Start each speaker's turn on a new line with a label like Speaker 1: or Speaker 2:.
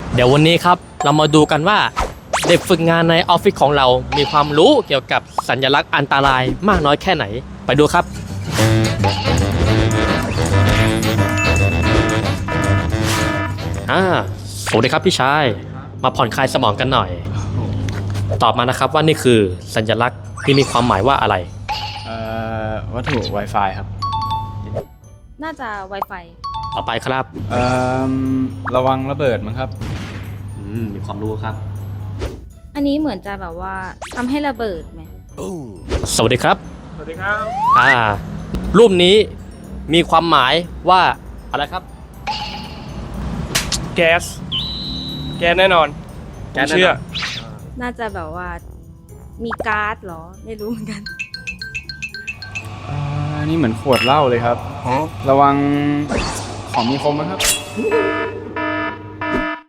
Speaker 1: เดี๋ยววันนี้ครับเรามาดูกันว่าเด็กฝึกงานในออฟฟิศของเรามีความรู้เกี่ยวกับสัญลักษณ์อันตรายมากน้อยแค่ไหนไปดูครับสวัสดีครับพี่ชายมาผ่อนคลายสมองกันหน่อยตอบมานะครับว่านี่คือสัญลักษณ์ที่มีความหมายว่าอะไร
Speaker 2: วัตถุ Wi-Fi ครับ
Speaker 3: น่าจะ Wi-Fi
Speaker 1: ต่อไปครับ
Speaker 2: ระวังระเบิดมั้งครับ
Speaker 1: มีความรู้ครับ
Speaker 3: อันนี้เหมือนจะแบบว่าทำให้ระเบิดไหม
Speaker 1: สวัสดีครับ
Speaker 2: สวัสดีครับ
Speaker 1: รูปนี้มีความหมายว่าอะไรครับ
Speaker 4: แก๊สแน่นอนผมเชื่อ
Speaker 3: น่าจะแบบว่ามีก๊าซเหรอไม่รู้เหมือนกัน
Speaker 2: นี่เหมือนขวดเหล้าเลยครับระวังของมีคมนะครับ